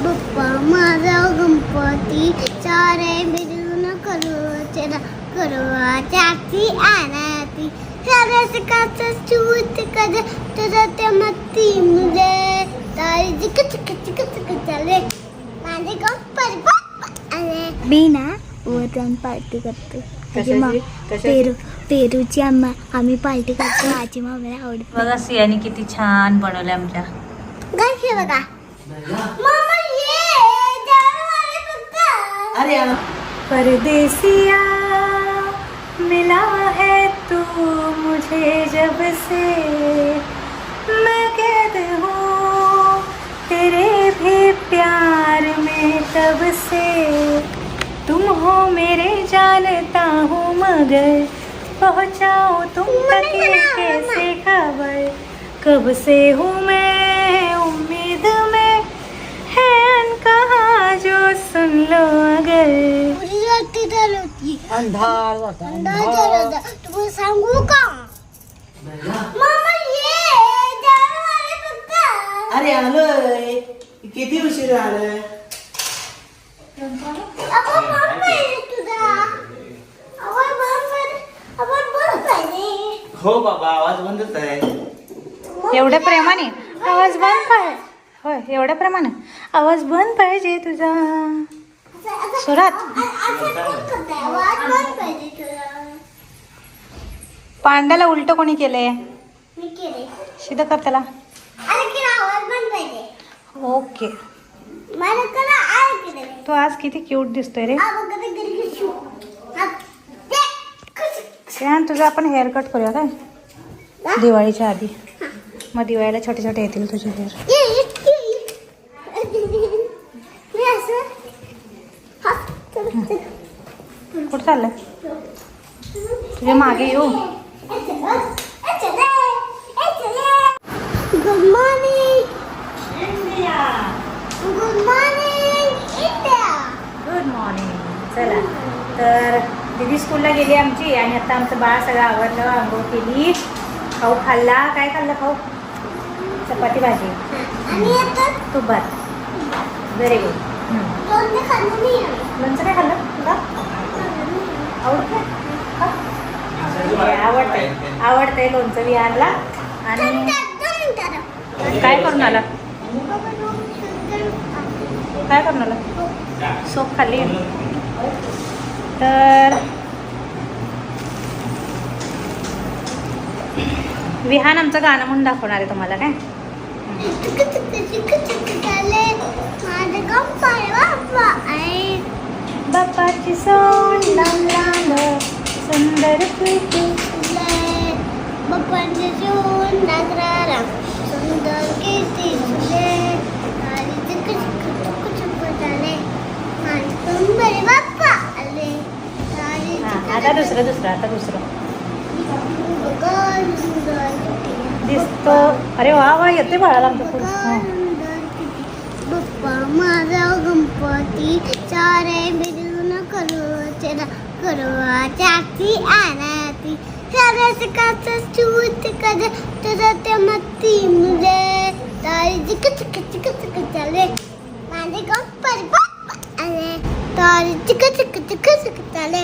बाप्पा माझा गणपती सारे मिळून करू चाकी आरती सरस काच चूत कर तुझा ते मती मुझे तारी चिक चिक चिक चिक चले माझे गणपती बाप्पा अरे मी ना वरती पार्टी करतो पेरूची आम्ही पार्टी करतो आजी मामाला आवडत बघा सियाने किती छान बनवले आमच्या गाय बघा मामा ये जाने कुत्ता अरे परदेसिया मिला है तू मुझे जब से मैं कैद हूँ तेरे भी प्यार में तब से तुम हो मेरे जानता हूँ मगर पहुँचाओ तुम तक ये कैसे खबर कब से हूँ मैं उम्मीद में है अनकहा जो सुन लो अगर पुरी रात्री चालवती अंधार होता तुम्हाला सांगू का मामा ये जाने कुत्ता अरे आलोय किती उशीर झालं आपण बंद पाहिजे तुझा आपण बंद पाहिजे हो बाबा आवाज बंदच आहे एवढ्या प्रेमाने आवाज बंद पाहिजे होय एवढ्या प्रेमाने आवाज बंद पाहिजे तुझा सुरात पांड्याला उलट कोणी केलंय मी केले शिदा कर त्याला अरे की आवाज बंद पाहिजे ओके मला करा आहे केले तो आज किती क्यूट दिसतोय रे अगं घरी शू श्रेयान तुझा आपण हेअर कट करूया काय दिवाळीच्या आधी मग दिवाळीला छोटे छोटे येतील तुझे हेअर कुठं चाललंय तुझ्या मागे येऊ good morning good morning good morning चला तर दीदी स्कूलला गेली आमची आणि आता आमचं बाळ सगळं आवडलं आंघोळ केली खाऊ खाल्ला काय खाल्लं खाऊ चपाती भाजी आणि आता तूप भात व्हेरी गुड दोन खाल्लं नाही लोणचं काय खाल्लं तुला आवडतं आवडतंय लोणचं विहारला आणि काय करून आला काय करून आला सोप खाल्ली तर विहान आमचं गाणं म्हणून दाखवणार आहे तुम्हाला काय बाप्पाची सोंड लांब लांब सुंदर प्रीती बाप्पाची सोंड नागरारा सुंदर किती फुले आणि चिक चिक चुक चुक झाले आणि सुंदर बाप्पा आले आता दुसरं आता दिसतो अरे वा वा येते बाळाला आमचं बाप्पा माझा गणपती सारे मिळून करू चाकी आरती सरस काच चूत कर तुझा ते मती मुझे तारी चिक चिक चिक चिक चले माझे गणपती बाप्पा अरे तारी चिक चिक चिक चिक चले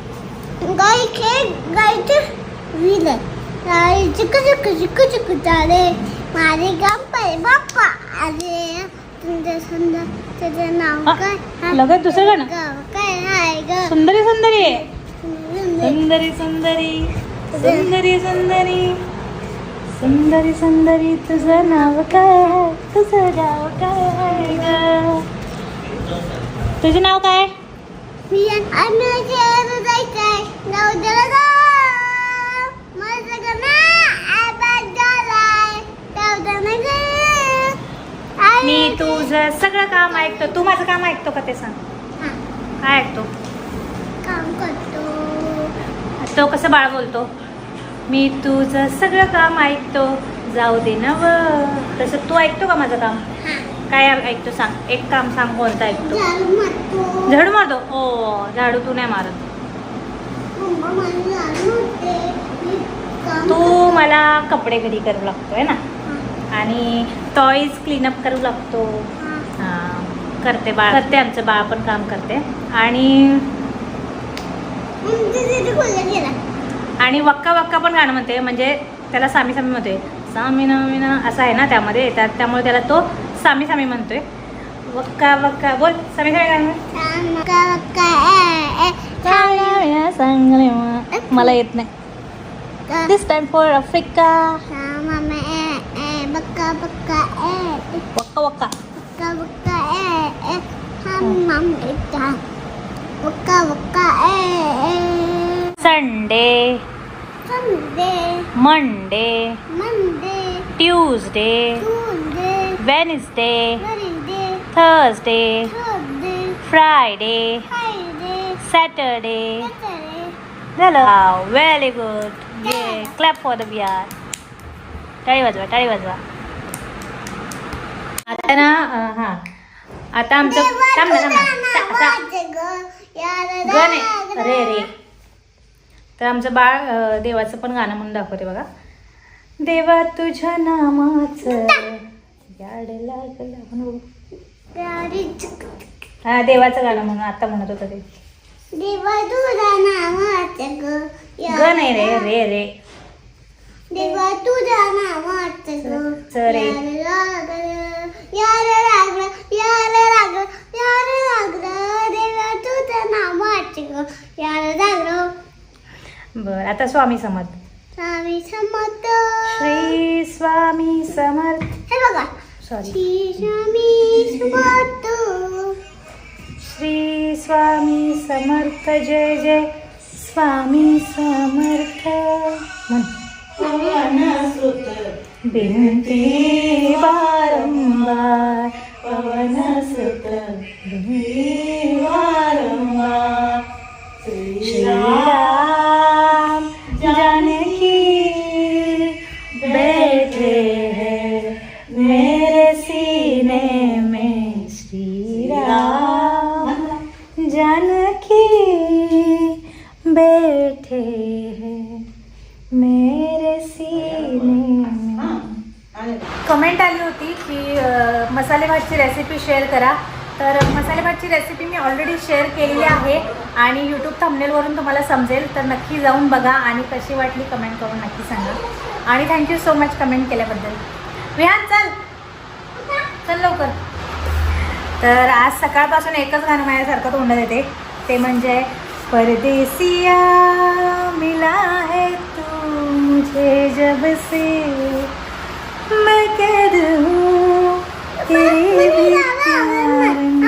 गायचे विले तारी चिक चिक चिक चिक चले माझे गणपती बाप्पा अरे सुंदर सुंदर त्याचं नाव काय लगत दुसरं गाणं काय आहे ग सुंदरी सुंदरी सुंदरी सुंदरी सुंदरी सुंदरी सुंदरी सुंदरी तुझं नाव काय तुझं नाव काय ग तुझं नाव काय मी जायचंय नाव दिलं ग माझं गाणं आबाद झालाय नाव दिलं मी तुझं सगळं काम ऐकतो तू माझं काम ऐकतो का ते सांग काय ऐकतो काम करतो तो कसं बाळ बोलतो मी तुझं सगळं काम ऐकतो जाऊ दे ना व तसं तू ऐकतो का माझं काम काय ऐकतो सांग एक काम सांग कोणतं ऐकतो झाडू मारतो झाडू मारतो ओ झाडू तू नाही मारत मम्मा मला झाडू मारते मी काम तू मला कपडे घडी करू लागतो आहे ना आणि टॉईज क्लीनअप करू लागतो हां करते आमचं बाळ पण काम करते. आणि वक्का वक्का पण गाणं म्हणते, म्हणजे त्याला सामी सामी म्हणतोय. सामी नामिना असं आहे ना त्यामध्ये, त्यामुळे त्याला तो सामी सामी म्हणतोय. वक्का वक्का बोल सामी सामी गाणं. मला येत नाही. This time for Africa. Waka waka. Sunday, Monday, Tuesday, Wednesday, Thursday, Friday, Saturday. झालं. Very good. ये क्लॅप फॉर द बिहार. टाळी वाजवा, टाळी वाजवा. आता ना हा आता आमचं थांब ना गण आहे रे रे. तर आमचं बाळ देवाचं पण गाणं म्हणून दाखवते बघा. देवा तुझ्या नामाचं याड लागलं म्हणून. हा देवाचं गाणं म्हणून आता म्हणत होतं ते. देवा तुझ्या नामाचं गण आहे रे रे रे. देवा तुझ्या नामाचं रे यार लागलं देवा तुझ्या नामाचं यार लागलं. बर आता स्वामी समर्थ. स्वामी समर्थ. श्री स्वामी समर्थ. हे बघा. सॉरी. श्री स्वामी समर्थ. श्री स्वामी समर्थ. जय जय स्वामी समर्थ. बिनती वारंवार पवन सुत बिनती वारंवार. श्री राम जानकी बैठे हैं मेरे सीने में. श्री राम जानकी बैठे हैं मेरे सीने में. कमेंट आली होती की मसाले भातची रेसिपी शेअर करा. तर मसाले भातची रेसिपी मी ऑलरेडी शेअर केलेली आहे आणि यूट्यूब थंबनेलवरून तुम्हाला समजेल. तर नक्की जाऊन बघा आणि कशी वाटली कमेंट करून नक्की सांगा. आणि थँक्यू सो मच कमेंट केल्याबद्दल. विहान चल चल लवकर. तर आज सकाळपासून एकच गाणं माझ्यासारखं तोंडात येते, ते म्हणजे परदेसिया मिला है तू मुझे जब से मैं कैद हूँ तेरे प्यार में.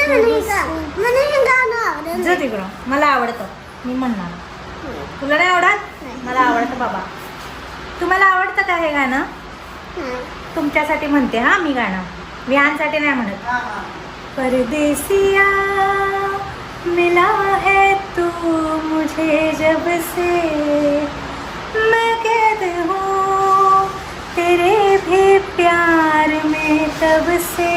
जा तिकडं. मला आवडतं मी म्हणणार. तुला नाही आवडत? मला आवडतं बाबा. तुम्हाला आवडतं का हे गाणं? तुमच्यासाठी म्हणते हा मी गाणं, विहानसाठी नाही म्हणत. परदेसिया मिला है तू मुझे जब से मैं कैद हूँ तेरे भी प्यार में तब से.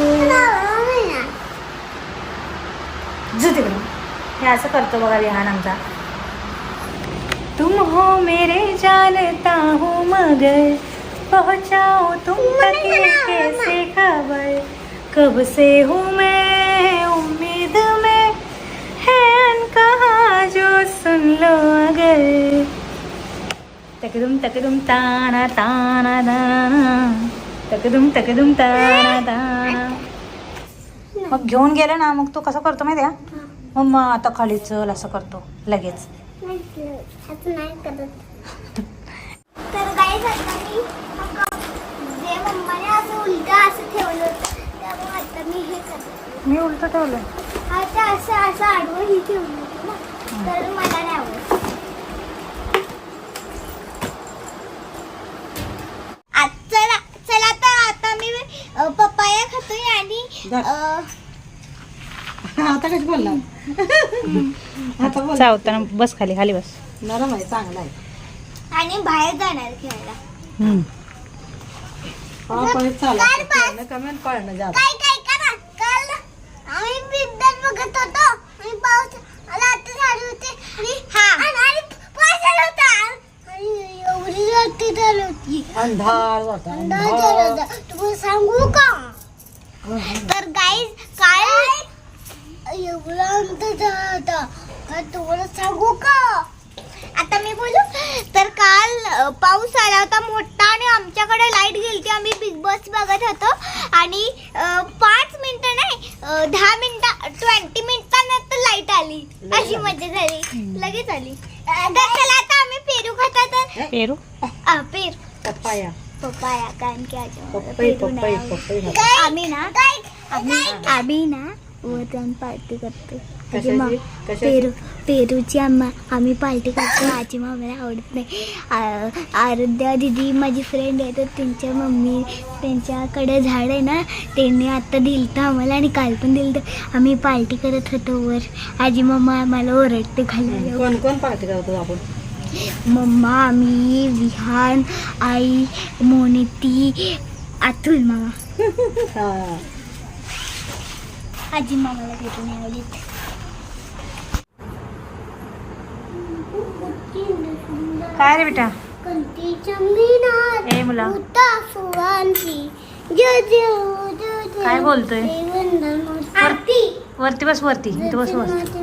जो तिकडं. हे असं करतो बघा विहान आमचा. तुम हो मेरे जानता हूँ मगर पहुँचाओ तुम तक कैसे खबर. कब से हूँ मैं उम्मीद में है अनकहा जो सुन लो अगर. तकदुम तकदुम ताना ताना ताना तकदुम तकदुम ताना ताना. मग घेऊन गेले ना मग तू कसं करतो माहिती आहे? मग आता खाली चल असं करतो लगेच. तर गाईस आता मी जे मम्माने असं उलट असं ठेवलं होतं त्यामुळे आता मी हे करते. मी उलट ठेवलं. आता असं असं आडवं ही ठेवली होती ना, तर मला नाही आवडत. चला चला तर आता मी पपाया खातोय आणि आता कशी बोलला? आता बोल. चावताना बस खाली खाली बस. नरम आहे, चांगला आहे. आणि बाहेर जाणार खेळायला. कमेंट पळणं जात. काय काय करा काल आम्ही बिबट्यात बघत होतो आणि पाऊस रात्री झाली होती आणि पाऊस आला होता आणि एवढी रात्री झाली होती. अंधार होता. अंधार झाला होता. तुम्हाला सांगू का? तर गाईज काल एवढा अंतर झाला होता. तर तुम्हाला सांगू का, आता मी बोलू तर काल पाऊस आला होता मोठा आणि आमच्याकडे लाईट गेली. आम्ही बिग बॉस बघत होतो आणि 5 मिनिटं नाही 10 मिनिटं 20 मिनिटांनंतर लाईट आली. अशी मजा झाली, लगेच आली. तर चला आता आम्ही पेरू खातात. पेरू पेरू पप्पाया पप्पाया कारण की आज पप्पाई पेरू पप्पाई नाही. पप्पाई आम्ही ना वतन पार्टी करतो. कशाची? पेरूची आम्ही पार्टी करतो. आजी मामाला आवडत नाही. आराध्या दिदी माझी फ्रेंड आहे, तर त्यांच्या मम्मी त्यांच्याकडे झाड आहे ना, त्यांनी आत्ता दिलं आम्हाला आणि काल पण दिलं. आम्ही पार्टी करत होतो वर. आजी मामा आम्हाला ओरडते खाली. कोण कोण पार्टी करतो आपण? मम्मा, मी, विहान, आई, मोनिती, अतुल मामा. आजी मामाला भेटून आवडत. काय रे बेटा? कंटीच्या मीनात ए मुला. होता फुलांची जय जय जय जय. काय बोलतोय? आरती वरती बस, वरती इथं बस.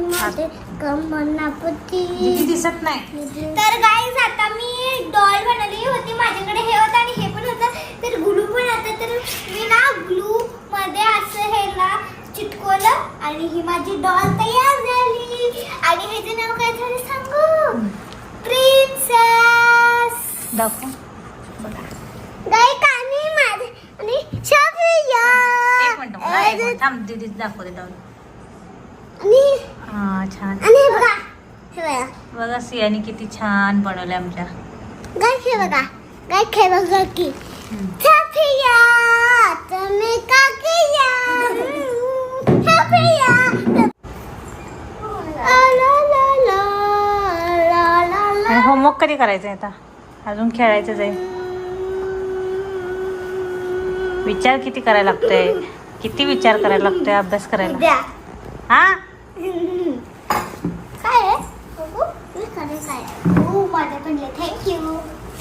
कमनापती दिसत नाही. तर गाईज आता मी डॉल बनवली होती. माझ्याकडे हे होतं आणि हे पण होतं. तर ग्लू पण होतं. तर मी ना ग्लू मध्ये असं हे ना चिटकवलं आणि ही माझी डॉल तयार झाली. आणि ह्याचं नाव काय झालं सांगू? प्रिन्सेस. दाखव. गाई कानी माझे आणि शफिया. एक मिनिट थांब, दीदी दाखवते डाऊन. आणि हा छान. आणि हे बघा, हे बघा बघा सियाने किती छान बनवले आमच्या. गाई, हे बघा गाई, हे बघा की शफिया तुम्ही का किया शफिया. ला ला ला ला ला ला. आणि होमवर्क कधी करायचं आहे आता? अजून खेळायचं आहे. विचार किती करायला लागतोय, किती विचार करायला लागतोय अभ्यास करायला. उद्या हा काय आहे बघू मी खरं काय. हो माझ्याकडले थँक्यू.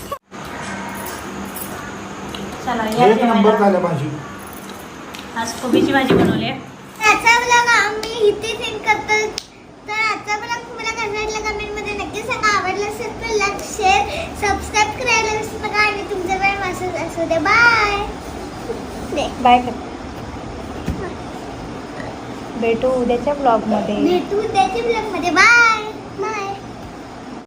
चला या एक नंबर जेवायला. झालं भाजी. आज कोबीची भाजी बनवली आहे. आजचा ब्लॉग आम्ही इथे सेंड करतो. तर आजचा ब्लॉग तुम्हाला कसा वाटला कमेंटमध्ये नक्की सांगा. आवडला असेल तर लाईक शेअर सबस्क्राईब करायला विसरू नका. आणि तुमचा वेळ मासच असू दे. बाय. बाय कर. भेटू उद्याच्या ब्लॉगमध्ये. भेटू उद्याच्या ब्लॉगमध्ये. बाय.